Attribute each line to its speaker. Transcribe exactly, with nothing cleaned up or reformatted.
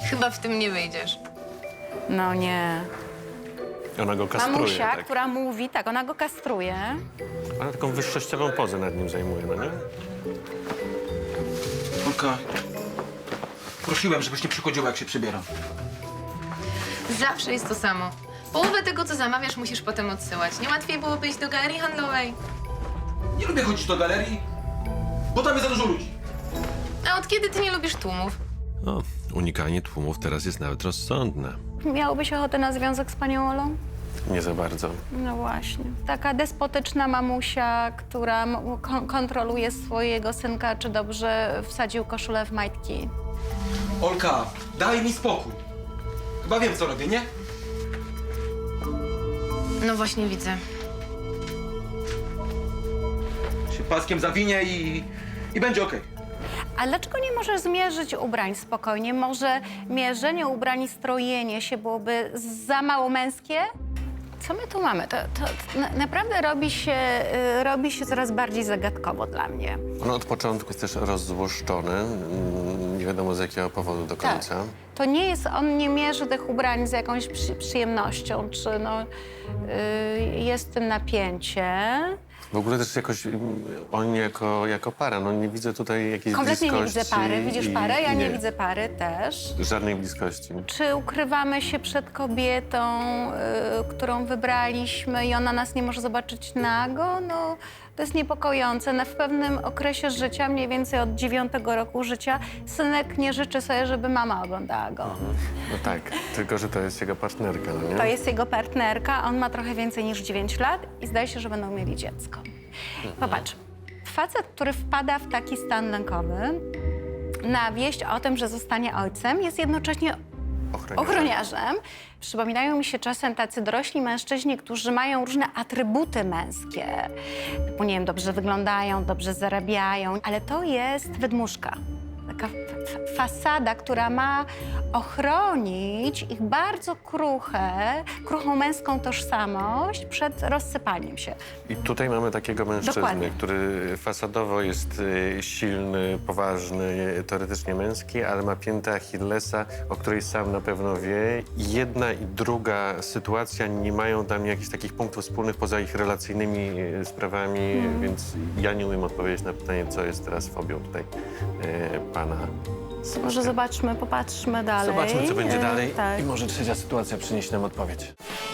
Speaker 1: Chyba w tym nie wyjdziesz.
Speaker 2: No nie.
Speaker 3: Ona go kastruje,
Speaker 2: Mamusia,
Speaker 3: tak?
Speaker 2: która mówi, tak, ona go kastruje.
Speaker 3: Ona taką wyższościową pozę nad nim zajmuje, no nie?
Speaker 4: Olka, prosiłem, żebyś nie przychodziła, jak się przybieram.
Speaker 1: Zawsze jest to samo. Połowę tego, co zamawiasz, musisz potem odsyłać. Nie łatwiej byłoby iść do galerii handlowej?
Speaker 4: Nie lubię chodzić do galerii, bo tam jest za dużo ludzi.
Speaker 1: A od kiedy ty nie lubisz tłumów?
Speaker 3: No, unikanie tłumów teraz jest nawet rozsądne.
Speaker 2: Miałbyś ochotę na związek z panią Olą?
Speaker 3: Nie za bardzo.
Speaker 2: No właśnie. Taka despotyczna mamusia, która m- kon- kontroluje swojego synka, czy dobrze wsadził koszulę w majtki.
Speaker 4: Olka, daj mi spokój. Chyba wiem, co robię, nie?
Speaker 1: No właśnie widzę.
Speaker 4: Się paskiem zawinie i, i będzie okej.
Speaker 2: A dlaczego nie możesz zmierzyć ubrań spokojnie? Może mierzenie ubrań i strojenie się byłoby za mało męskie? Co my tu mamy? To, to na, naprawdę robi się, y, robi się coraz bardziej zagadkowo dla mnie.
Speaker 3: On od początku jest też rozzłoszczony. mm, Nie wiadomo z jakiego powodu do końca.
Speaker 2: To nie jest, on nie mierzy tych ubrań z jakąś przy, przyjemnością, czy no, y, jest w tym napięcie.
Speaker 3: W ogóle też jakoś mm, oni jako, jako para, no nie widzę tutaj jakiejś
Speaker 2: Kompletnie nie
Speaker 3: bliskości.
Speaker 2: widzę pary. Widzisz
Speaker 3: i-
Speaker 2: parę? Ja
Speaker 3: i
Speaker 2: nie widzę pary też.
Speaker 3: Żadnej bliskości.
Speaker 2: Czy ukrywamy się przed kobietą, y, którą wybraliśmy i ona nas nie może zobaczyć nago? No, to jest niepokojące. No, w pewnym okresie życia, mniej więcej od dziewiątego roku życia, synek nie życzy sobie, żeby mama oglądała go.
Speaker 3: No tak, tylko że to jest jego partnerka, no nie?
Speaker 2: To jest jego partnerka, on ma trochę więcej niż dziewięć lat i zdaje się, że będą mieli dziecko. Popatrz, facet, który wpada w taki stan lękowy, na wieść o tym, że zostanie ojcem, jest jednocześnie
Speaker 3: Ochroniarz.
Speaker 2: ochroniarzem. Przypominają mi się czasem tacy dorośli mężczyźni, którzy mają różne atrybuty męskie. Typu, nie wiem, dobrze wyglądają, dobrze zarabiają, ale to jest wydmuszka. Taka f- fasada, która ma ochronić ich bardzo kruche, kruchą męską tożsamość przed rozsypaniem się.
Speaker 3: I tutaj mamy takiego mężczyznę,
Speaker 2: Dokładnie.
Speaker 3: który fasadowo jest y, silny, poważny, teoretycznie męski, ale ma piętę Achillesa, o której sam na pewno wie. I jedna i druga sytuacja nie mają dla mnie jakichś takich punktów wspólnych poza ich relacyjnymi y, sprawami,
Speaker 2: Mhm.
Speaker 3: więc ja nie umiem odpowiedzieć na pytanie, co jest teraz fobią tutaj y, pana. Sławka.
Speaker 2: Może zobaczmy, popatrzmy dalej.
Speaker 3: Zobaczmy, co będzie
Speaker 2: E,
Speaker 3: dalej
Speaker 2: Tak.
Speaker 3: i może trzecia sytuacja przyniesie nam odpowiedź.